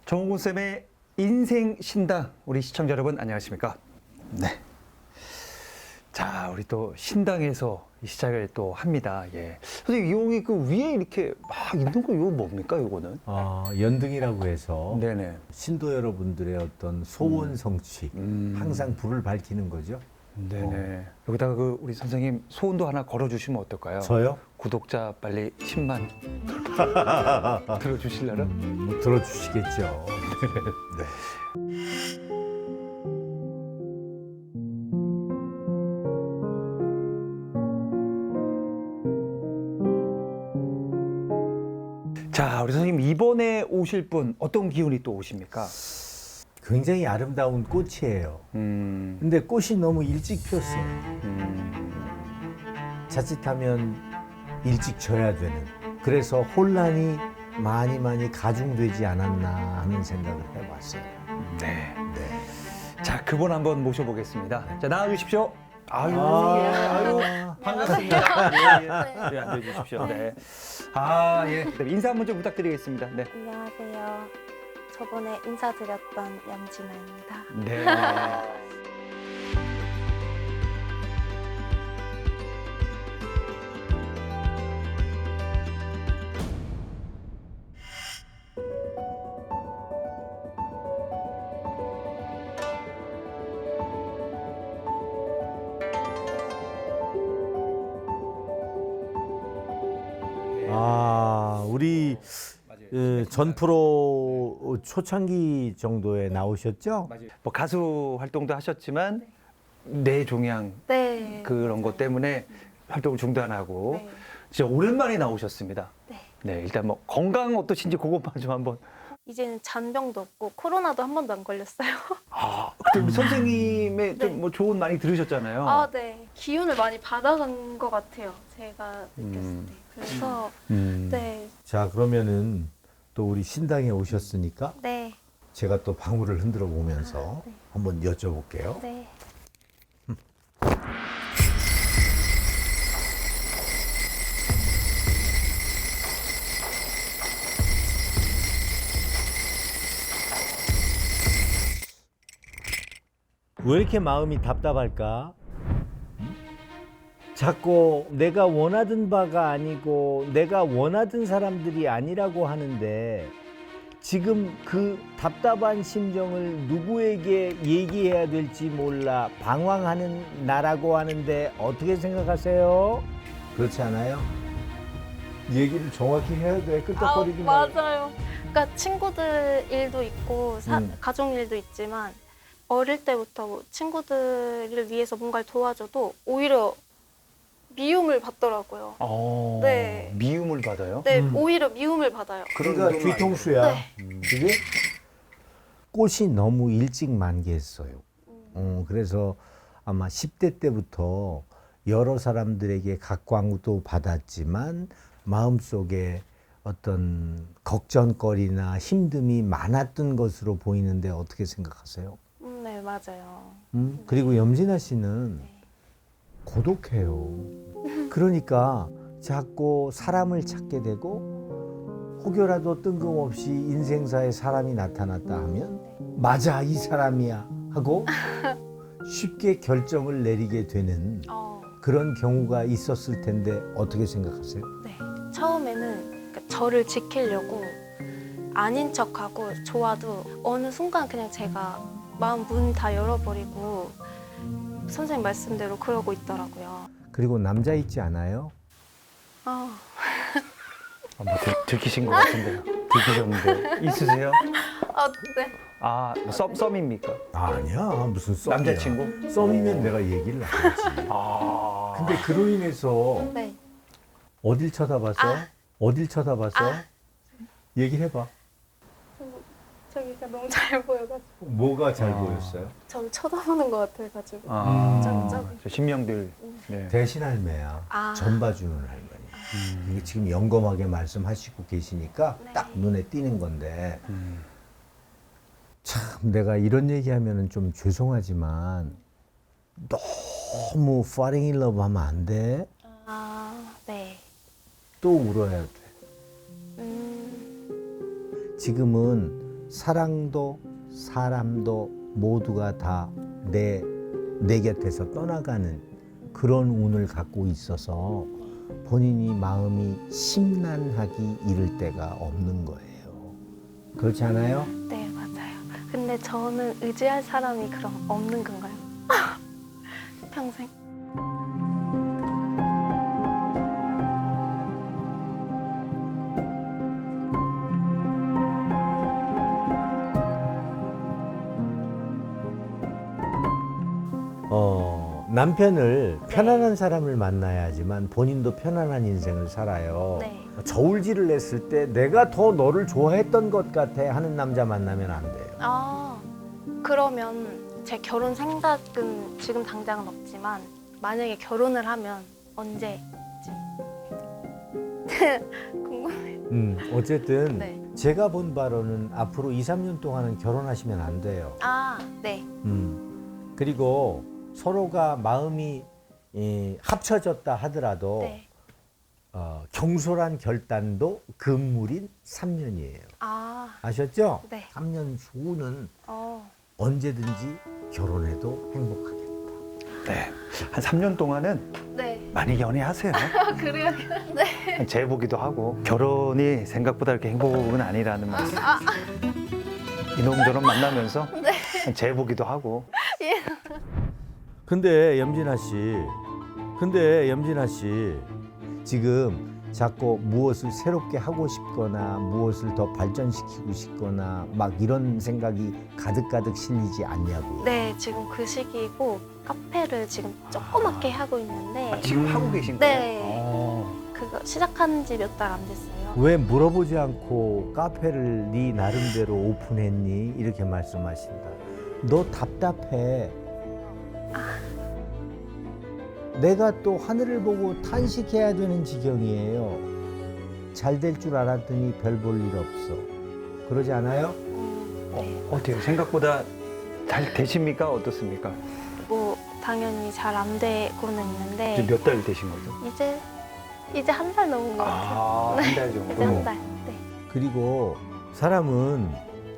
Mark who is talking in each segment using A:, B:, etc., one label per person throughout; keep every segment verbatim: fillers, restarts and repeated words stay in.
A: 정홍근 쌤의 인생 신당, 우리 시청자 여러분 안녕하십니까? 네. 자, 우리 또 신당에서 시작을 또 합니다. 예. 선생님, 여기 그 위에 이렇게 막 있는 거 이거 뭡니까, 이거는?
B: 어, 연등이라고 해서
A: 네네.
B: 신도 여러분들의 어떤 소원 성취,
A: 음.
B: 항상 불을 밝히는 거죠.
A: 네네. 여기다가 그 우리 선생님 소원도 하나 걸어주시면 어떨까요?
B: 저요?
A: 구독자 빨리 십만 들어주실래요?
B: 음, 뭐 들어주시겠죠. 네.
A: 자, 우리 선생님 이번에 오실 분 어떤 기운이 또 오십니까?
B: 굉장히 아름다운 꽃이에요.
A: 음,
B: 근데 꽃이 너무 일찍 피었어요.
A: 음,
B: 자칫하면 일찍 져야 되는. 그래서 혼란이 많이 많이 가중되지 않았나 하는 생각을 해봤어요.
A: 네.
B: 네.
A: 자, 그분 한번 모셔보겠습니다. 자, 나와주십시오. 아유,
B: 아유,
A: 아유, 반갑습니다. 예, 예. 네, 앉아주십시오. 네. 아, 예. 네, 인사 한번 좀 부탁드리겠습니다. 네.
C: 안녕하세요. 저번에 인사드렸던 염진아입니다.
A: 네.
B: 아, 우리 그 전 프로 초창기 정도에 나오셨죠?
A: 뭐 가수 활동도 하셨지만 뇌종양
C: 네.
A: 그런 것 때문에 활동을 중단하고
C: 네.
A: 진짜 오랜만에 나오셨습니다.
C: 네.
A: 네, 일단 뭐 건강 어떠신지 그것만 좀 한번.
C: 이제는 잔병도 없고 코로나도 한 번도 안 걸렸어요.
A: 아, 그때 우리 선생님의
C: 네.
A: 좀 뭐 좋은 많이 들으셨잖아요.
C: 아, 네. 기운을 많이 받아간 것 같아요. 제가 느꼈을
A: 음.
C: 때. 그래서
A: 음.
C: 네.
B: 자, 그러면은 또 우리 신당에 오셨으니까
C: 네.
B: 제가 또 방울을 흔들어 보면서
C: 네.
B: 한번 여쭤볼게요.
C: 네.
B: 왜 이렇게 마음이 답답할까? 자꾸 내가 원하던 바가 아니고 내가 원하던 사람들이 아니라고 하는데 지금 그 답답한 심정을 누구에게 얘기해야 될지 몰라 방황하는 나라고 하는데 어떻게 생각하세요? 그렇지 않아요? 얘기를 정확히 해야 돼.
C: 아,
B: 끄떡거리지 말고.
C: 맞아요. 그러니까 친구들 일도 있고 사,
B: 음.
C: 가족 일도 있지만 어릴 때부터 뭐 친구들을 위해서 뭔가를 도와줘도 오히려 미움을 받더라고요.
A: 어,
C: 네.
A: 미움을 받아요?
C: 네,
B: 음.
C: 오히려 미움을 받아요.
B: 그러니까
A: 그런
B: 뒤통수야.
C: 네.
B: 그게 꽃이 너무 일찍 만개했어요. 어, 그래서 아마 십 대 때부터 여러 사람들에게 각광도 받았지만 마음속에 어떤 걱정거리나 힘듦이 많았던 것으로 보이는데 어떻게 생각하세요?
C: 음, 네, 맞아요.
B: 음? 그리고 염진아 씨는
C: 네.
B: 고독해요. 그러니까 자꾸 사람을 찾게 되고 혹여라도 뜬금없이 인생사에 사람이 나타났다 하면 맞아, 이 사람이야 하고 쉽게 결정을 내리게 되는
C: 어,
B: 그런 경우가 있었을 텐데 어떻게 생각하세요?
C: 네. 처음에는 그러니까 저를 지키려고 아닌 척하고 좋아도 어느 순간 그냥 제가 마음 문 다 열어버리고 선생님 말씀대로 그러고 있더라고요.
B: 그리고 남자 있지 않아요?
C: 아,
A: 아, 뭐 들, 들키신 것 같은데요. 들키셨는데 있으세요?
C: 아, 네.
A: 아, 썸, 썸입니까?
B: 아니야, 무슨 썸이야.
A: 남자친구?
B: 썸이면 내가 얘기를 안 하지.
A: 아,
B: 근데 그로 인해서
C: 네.
B: 어딜 쳐다봤어?
C: 아.
B: 어딜 쳐다봤어?
C: 아.
B: 얘기를 해봐.
C: 저기가 너무 잘 보여가지고
B: 뭐가 잘
A: 아.
B: 보였어요?
C: 저를 쳐다보는 것 같아가지고
A: 아,
C: 저기, 저기.
A: 저 신명들. 네.
B: 대신 할매야.
C: 아.
B: 전 봐주는 할머니. 이게 지금 영검하게 말씀하시고 계시니까
C: 네.
B: 딱 눈에 띄는 건데
A: 음.
B: 참 내가 이런 얘기하면은 좀 죄송하지만 너무 falling in love 하면 안 돼.
C: 아, 네.
B: 또 울어야 돼.
C: 음,
B: 지금은 사랑도 사람도 모두가 다 내 내 곁에서 떠나가는 그런 운을 갖고 있어서 본인이 마음이 심란하기 이를 데가 없는 거예요. 그렇지 않아요?
C: 네, 맞아요. 근데 저는 의지할 사람이 그럼 없는 건가요? 평생?
B: 어, 남편을 편안한 사람을 만나야지만 본인도 편안한 인생을 살아요.
C: 네.
B: 저울질을 냈을 때 내가 더 너를 좋아했던 것 같아 하는 남자 만나면 안 돼요.
C: 아, 그러면 제 결혼 생각은 지금 당장은 없지만 만약에 결혼을 하면 언제쯤? 궁금해요.
B: 음, 어쨌든
C: 네.
B: 제가 본 바로는 앞으로 이, 삼 년 동안은 결혼하시면 안 돼요.
C: 아, 네.
B: 음, 그리고 서로가 마음이 이, 합쳐졌다 하더라도
C: 네.
B: 어, 경솔한 결단도 금물인 삼 년이에요.
C: 아,
B: 아셨죠?
C: 네.
B: 삼 년 후는
C: 어.
B: 언제든지 결혼해도 행복하겠다.
A: 네. 한 삼 년 동안은
C: 네.
A: 많이 연애하세요.
C: 그래요? 네.
A: 재보기도 하고 결혼이 생각보다 이렇게 행복은 아니라는 말씀. 이놈저놈 만나면서 재보기도 하고.
B: 근데 염진아 씨, 근데 염진아 씨 지금 자꾸 무엇을 새롭게 하고 싶거나 무엇을 더 발전시키고 싶거나 막 이런 생각이 가득가득 실리지 않냐고요.
C: 네, 지금 그 시기고 카페를 지금 조그맣게 하고 있는데
A: 아, 지금 하고 계신 거예요?
C: 네.
A: 어.
C: 그거 시작한 지 몇 달 안 됐어요.
B: 왜 물어보지 않고 카페를 네 나름대로 오픈했니? 이렇게 말씀하신다. 너 답답해. 내가 또 하늘을 보고 탄식해야 되는 지경이에요. 잘 될 줄 알았더니 별 볼 일 없어. 그러지 않아요?
C: 음,
A: 어,
C: 네.
A: 어때요? 생각보다 잘 되십니까? 어떻습니까?
C: 뭐 당연히 잘 안 되고는 있는데
A: 몇 달 되신 거죠?
C: 이제 이제 한 달 넘은 것 같아요.
A: 아, 한 달 정도.
C: 이제 한 달. 네.
B: 그리고 사람은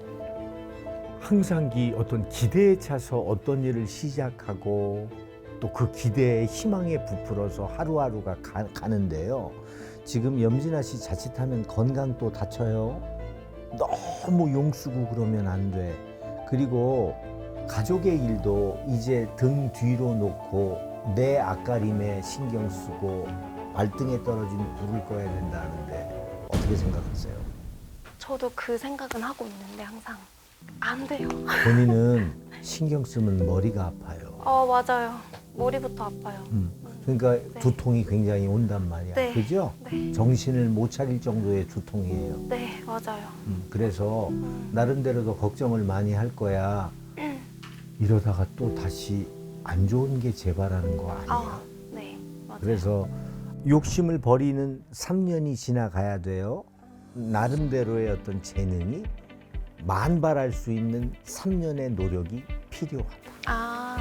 B: 항상 기 어떤 기대에 차서 어떤 일을 시작하고 또 그 기대에 희망에 부풀어서 하루하루가 가, 가는데요. 지금 염진아 씨 자칫하면 건강 또 다쳐요. 너무 용쓰고 그러면 안 돼. 그리고 가족의 일도 이제 등 뒤로 놓고 내 앞가림에 신경 쓰고 발등에 떨어진 불을 꺼야 된다는데 어떻게 생각하세요?
C: 저도 그 생각은 하고 있는데 항상 안 돼요.
B: 본인은 신경 쓰면 머리가 아파요.
C: 어, 맞아요. 머리부터 아파요.
B: 음, 그러니까
C: 네.
B: 두통이 굉장히 온단 말이야.
C: 네.
B: 그죠?
C: 네.
B: 정신을 못 차릴 정도의 두통이에요.
C: 네, 맞아요.
B: 음, 그래서
C: 음.
B: 나름대로도 걱정을 많이 할 거야. 이러다가 또 다시 안 좋은 게 재발하는 거 아니야.
C: 아, 네, 맞아요.
B: 그래서 욕심을 버리는 삼 년이 지나가야 돼요. 나름대로의 어떤 재능이 만발할 수 있는 삼 년의 노력이 필요하다.
C: 아,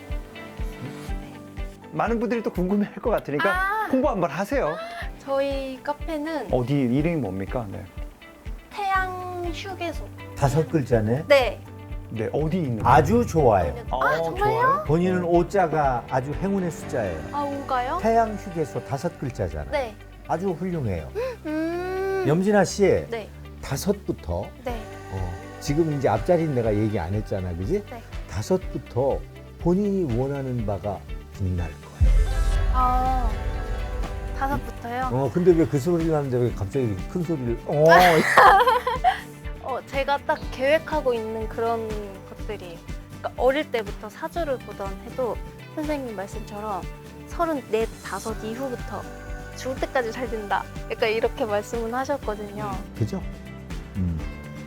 A: 많은 분들이 또 궁금해할 것 같으니까
C: 아.
A: 홍보 한번 하세요.
C: 저희 카페는
A: 어디 이름이 뭡니까? 네.
C: 태양 휴게소.
B: 다섯 글자네.
C: 네.
A: 네, 어디 있는?
B: 아주 좋아요.
C: 아, 정말요?
A: 좋아요?
B: 본인은 오자가 아주 행운의 숫자예요.
C: 아, 오가요?
B: 태양 휴게소 다섯 글자잖아.
C: 네.
B: 아주 훌륭해요.
C: 음.
B: 염진아 씨
C: 네.
B: 다섯부터
C: 네.
B: 어, 지금 이제 앞자리는 내가 얘기 안 했잖아, 그지?
C: 네.
B: 다섯부터 본인이 원하는 바가 빛날 거예요.
C: 아, 다섯부터요?
B: 어, 근데 왜 그 소리를 하는데 왜 갑자기 이렇게 큰 소리를? 어,
C: 어, 제가 딱 계획하고 있는 그런 것들이 그러니까 어릴 때부터 사주를 보던 해도 선생님 말씀처럼 서른넷, 다섯 이후부터 죽을 때까지 잘 된다. 약간 이렇게 말씀은 하셨거든요.
B: 그죠? 음.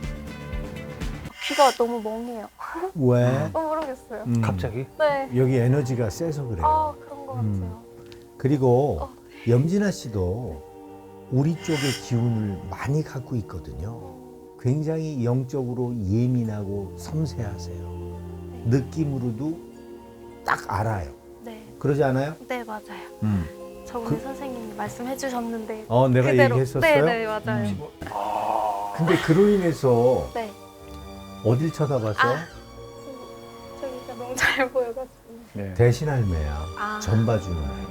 C: 귀가 너무 멍해요.
B: 왜?
C: 어, 모르겠어요.
B: 음,
A: 갑자기?
C: 네.
B: 여기 에너지가 세서 그래요.
C: 아, 그런 것
B: 음.
C: 같아요.
B: 그리고
C: 어.
B: 염진아 씨도 우리 쪽의 기운을 많이 갖고 있거든요. 굉장히 영적으로 예민하고 섬세하세요. 느낌으로도 딱 알아요.
C: 네.
B: 그러지 않아요?
C: 네, 맞아요.
B: 음.
C: 저번에
B: 그-
C: 선생님이 말씀해 주셨는데
B: 어, 내가
C: 그대로.
B: 얘기했었어요?
C: 네, 네, 맞아요.
B: 음. 근데 그로 인해서
C: 네.
B: 어딜 쳐다봤어?
C: 아, 저기가 너무 잘 보여가지고.
A: 네.
B: 대신 할매야.
C: 아.
B: 전 봐주는 할매.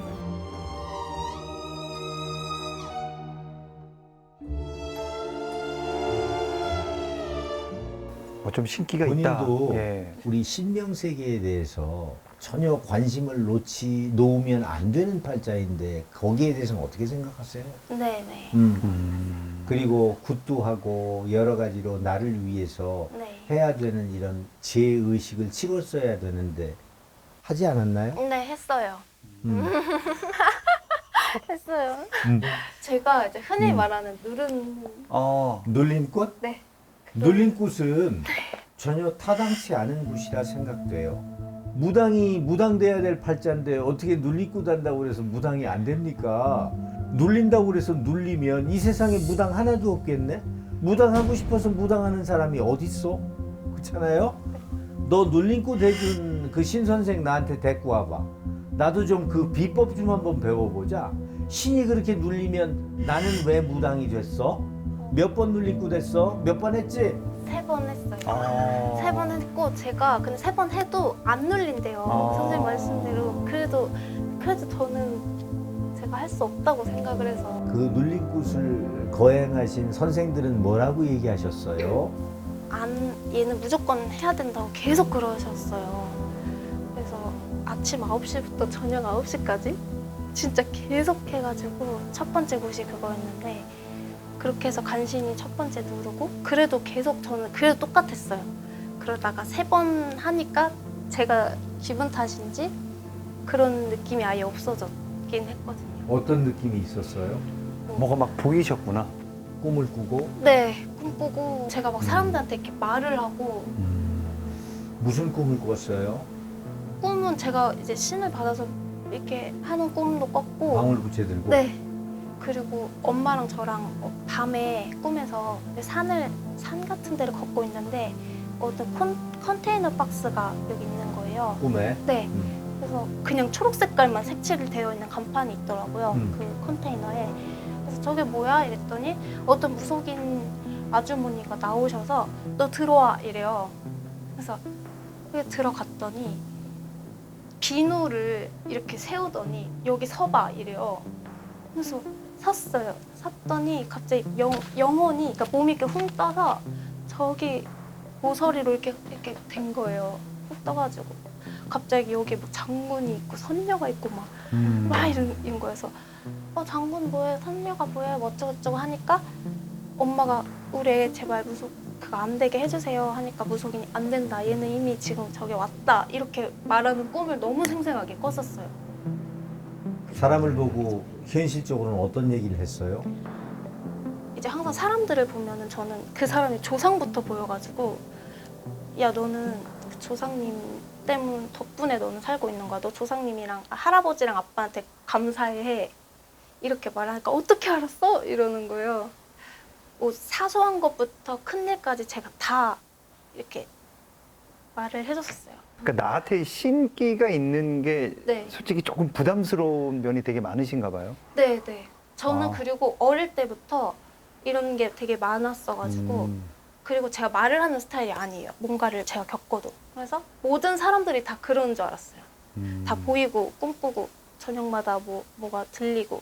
A: 뭐 좀 신기가 있다.
B: 본인도
A: 예.
B: 우리 신명 세계에 대해서 전혀 관심을 놓지 놓으면 안 되는 팔자인데 거기에 대해서는 어떻게 생각하세요?
C: 네네.
B: 음.
A: 음.
B: 그리고 굿도 하고 여러 가지로 나를 위해서
C: 네.
B: 해야 되는 이런 제 의식을 치렀어야 되는데 하지 않았나요?
C: 네, 했어요.
B: 음.
C: 했어요.
B: 음.
C: 제가 이제 흔히
B: 음.
C: 말하는 누른.
A: 어.
B: 눌린 꽃?
C: 네.
B: 눌린 꽃은 전혀 타당치 않은 곳이라 생각돼요. 무당이 무당돼야 될 팔자인데 어떻게 눌린 꽃 한다고 그래서 무당이 안 됩니까? 눌린다고 그래서 눌리면 이 세상에 무당 하나도 없겠네? 무당하고 싶어서 무당하는 사람이 어딨어? 그렇잖아요? 너 눌린 꽃 해준 그 신선생 나한테 데리고 와봐. 나도 좀 그 비법 좀 한번 배워보자. 신이 그렇게 눌리면 나는 왜 무당이 됐어? 몇 번 눌린 꽃 했어? 몇 번 했지?
C: 세 번 했어요.
A: 아.
C: 세 번 했고 제가 근데 세 번 해도 안 눌린대요.
A: 아.
C: 선생님 말씀대로. 그래도 그래도 저는 제가 할 수 없다고 생각을 해서.
B: 그 눌린 꽃을 거행하신 선생들은 뭐라고 얘기하셨어요?
C: 안 얘는 무조건 해야 된다고 계속 그러셨어요. 그래서 아침 아홉 시부터 저녁 아홉 시까지 진짜 계속 해가지고 첫 번째 곳이 그거였는데 그렇게 해서 간신히 첫 번째 누르고 그래도 계속 저는 그래도 똑같았어요. 그러다가 세 번 하니까 제가 기분 탓인지 그런 느낌이 아예 없어졌긴 했거든요.
B: 어떤 느낌이 있었어요?
A: 뭐가 막 보이셨구나.
B: 꿈을 꾸고
C: 네, 꿈꾸고 제가 막 사람들한테 이렇게 말을 하고
B: 무슨 꿈을 꿨어요?
C: 꿈은 제가 이제 신을 받아서 이렇게 하는 꿈도 꿨고
B: 방울부채 들고?
C: 네. 그리고 엄마랑 저랑 어, 밤에 꿈에서 산을 산 같은 데를 걷고 있는데 어떤 컨, 컨테이너 박스가 여기 있는 거예요.
B: 꿈에?
C: 네.
B: 음.
C: 그래서 그냥 초록 색깔만 색칠이 되어 있는 간판이 있더라고요.
B: 음.
C: 그 컨테이너에. 그래서 저게 뭐야? 이랬더니 어떤 무속인 아주머니가 나오셔서 너 들어와 이래요. 그래서 그게 들어갔더니 비누를 이렇게 세우더니 여기 서봐 이래요. 그래서 섰어요. 섰더니 갑자기 영, 영혼이 그러니까 몸이 이렇게 훅 떠서 저기 모서리로 이렇게 이렇게 된 거예요. 훅 떠가지고 갑자기 여기 뭐 장군이 있고 선녀가 있고 막
A: 음.
C: 막 이런, 이런 거여서 어 장군 뭐해 선녀가 뭐해 뭐 어쩌고저쩌고 하니까 엄마가 우리 애 제발 무속 그거 안 되게 해주세요 하니까 무속인이 안 된다 얘는 이미 지금 저기 왔다 이렇게 말하는 꿈을 너무 생생하게 꿨었어요.
B: 사람을 보고 현실적으로는 어떤 얘기를 했어요?
C: 이제 항상 사람들을 보면은 저는 그 사람이 조상부터 보여가지고 야 너는 그 조상님 때문 덕분에 너는 살고 있는 거야. 너 조상님이랑 아, 할아버지랑 아빠한테 감사해 이렇게 말하니까 어떻게 알았어? 이러는 거예요. 뭐 사소한 것부터 큰 일까지 제가 다 이렇게 말을 해줬었어요.
A: 그러니까 나한테 신기가 있는 게
C: 네.
A: 솔직히 조금 부담스러운 면이 되게 많으신가 봐요.
C: 네, 네. 저는
A: 아.
C: 그리고 어릴 때부터 이런 게 되게 많았어가지고
A: 음.
C: 그리고 제가 말을 하는 스타일이 아니에요. 뭔가를 제가 겪어도. 그래서 모든 사람들이 다 그러는 줄 알았어요.
A: 음.
C: 다 보이고 꿈꾸고 저녁마다 뭐 뭐가 들리고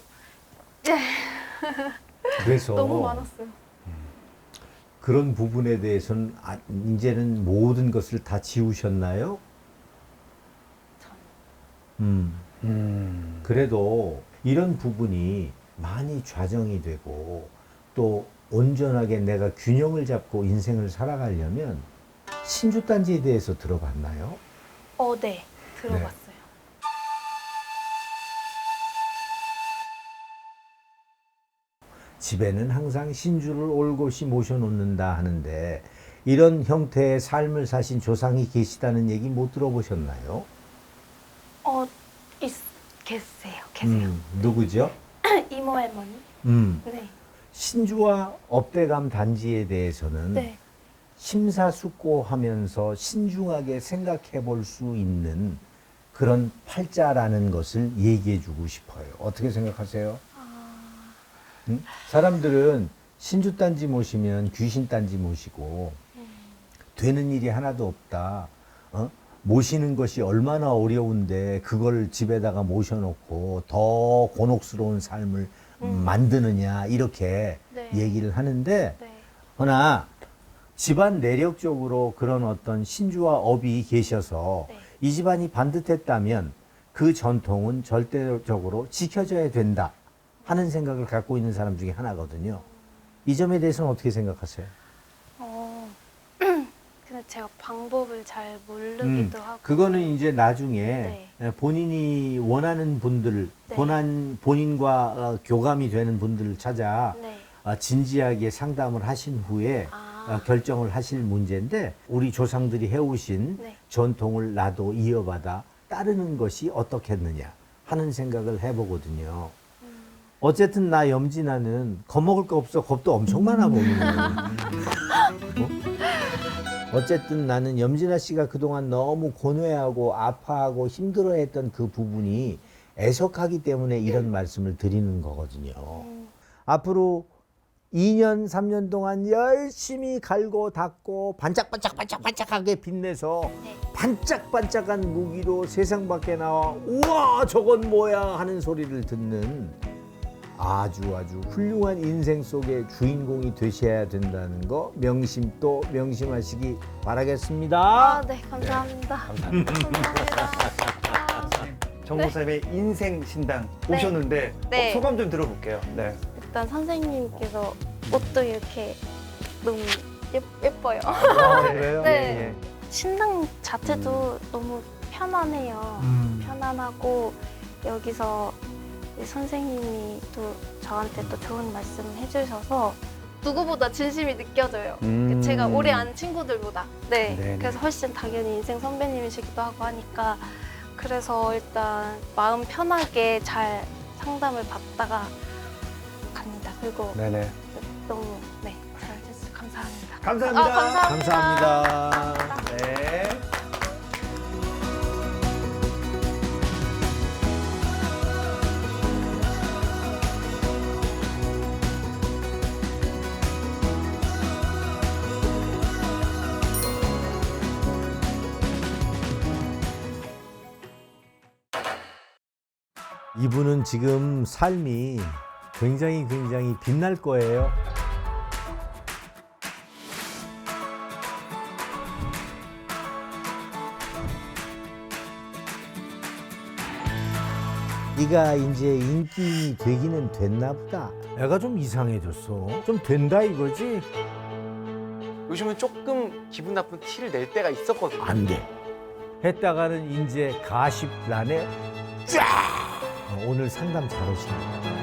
B: 그래서
C: 너무 많았어요.
B: 그런 부분에 대해서는 아, 이제는 모든 것을 다 지우셨나요?
C: 참.
B: 음.
A: 음.
B: 그래도 이런 부분이 많이 좌정이 되고 또 온전하게 내가 균형을 잡고 인생을 살아가려면 신주단지에 대해서 들어봤나요?
C: 어, 네. 들어봤어요.
B: 집에는 항상 신주를 올곧이 모셔놓는다 하는데 이런 형태의 삶을 사신 조상이 계시다는 얘기 못 들어보셨나요?
C: 어, 있, 계세요. 계세요.
B: 음, 누구죠?
C: 이모 할머니.
B: 음,
C: 네.
B: 신주와 업대감 단지에 대해서는
C: 네.
B: 심사숙고하면서 신중하게 생각해 볼 수 있는 그런 팔자라는 것을 얘기해 주고 싶어요. 어떻게 생각하세요?
C: 아,
B: 음? 사람들은 신주단지 모시면 귀신단지 모시고
C: 음,
B: 되는 일이 하나도 없다. 어? 모시는 것이 얼마나 어려운데 그걸 집에다가 모셔놓고 더 곤혹스러운 삶을
C: 음.
B: 만드느냐 이렇게
C: 네.
B: 얘기를 하는데
C: 네.
B: 허나 집안 내력적으로 그런 어떤 신주와 업이 계셔서
C: 네.
B: 이 집안이 반듯했다면 그 전통은 절대적으로 지켜져야 된다 하는 생각을 갖고 있는 사람 중에 하나거든요. 이 점에 대해서는 어떻게 생각하세요?
C: 어, 근데 제가 방법을 잘 모르기도 하고.
B: 그거는 이제 나중에
C: 네.
B: 본인이 원하는 분들,
C: 네.
B: 본인, 본인과 어, 교감이 되는 분들을 찾아
C: 네.
B: 어, 진지하게 상담을 하신 후에
C: 아.
B: 어, 결정을 하실 문제인데 우리 조상들이 해오신
C: 네.
B: 전통을 나도 이어받아 따르는 것이 어떻겠느냐 하는 생각을 해보거든요.
C: 음.
B: 어쨌든 나 염진아는 겁먹을 거 없어. 겁도 엄청 많아 보이는 어? 어쨌든 나는 염진아 씨가 그동안 너무 고뇌하고 아파하고 힘들어했던 그 부분이 애석하기 때문에 이런 말씀을 드리는 거거든요.
C: 음.
B: 앞으로 이 년, 삼 년 동안 열심히 갈고 닦고 반짝반짝반짝반짝하게 빛내서
C: 네.
B: 반짝반짝한 무기로 세상 밖에 나와 우와 저건 뭐야 하는 소리를 듣는 아주 아주 훌륭한 인생 속의 주인공이 되셔야 된다는 거 명심또 명심하시기 바라겠습니다.
C: 아, 네, 감사합니다.
A: 감사합니다.
C: 감사합니다. 아,
A: 정 목사님의 인생 신당
C: 네.
A: 오셨는데
C: 네.
A: 어, 소감 좀 들어볼게요. 네.
C: 일단 선생님께서 옷도 이렇게 너무 예, 예뻐요.
B: 아, 그래요?
C: 네.
A: 예, 예.
C: 신당 자체도 너무 편안해요.
A: 음.
C: 편안하고 여기서 이 선생님이 또 저한테 또 좋은 말씀 해주셔서 누구보다 진심이 느껴져요.
A: 음.
C: 제가 오래 안 친구들보다. 네.
A: 네네.
C: 그래서 훨씬 당연히 인생 선배님이시기도 하고 하니까 그래서 일단 마음 편하게 잘 상담을 받다가 갑니다. 그리고
A: 네네.
C: 너무 네 잘해주셔서 감사합니다.
A: 감사합니다.
C: 아, 감사합니다.
B: 감사합니다.
A: 네.
B: 이분은 지금 삶이 굉장히 굉장히 빛날 거예요. 네가 이제 인기인이 되기는 됐나 보다. 애가 좀 이상해졌어. 좀 된다 이거지?
D: 요즘은 조금 기분 나쁜 티를 낼 때가 있었거든요.
B: 안 돼. 했다가는 이제 가십란에 쫙! 어, 오늘 상담 잘 오시네.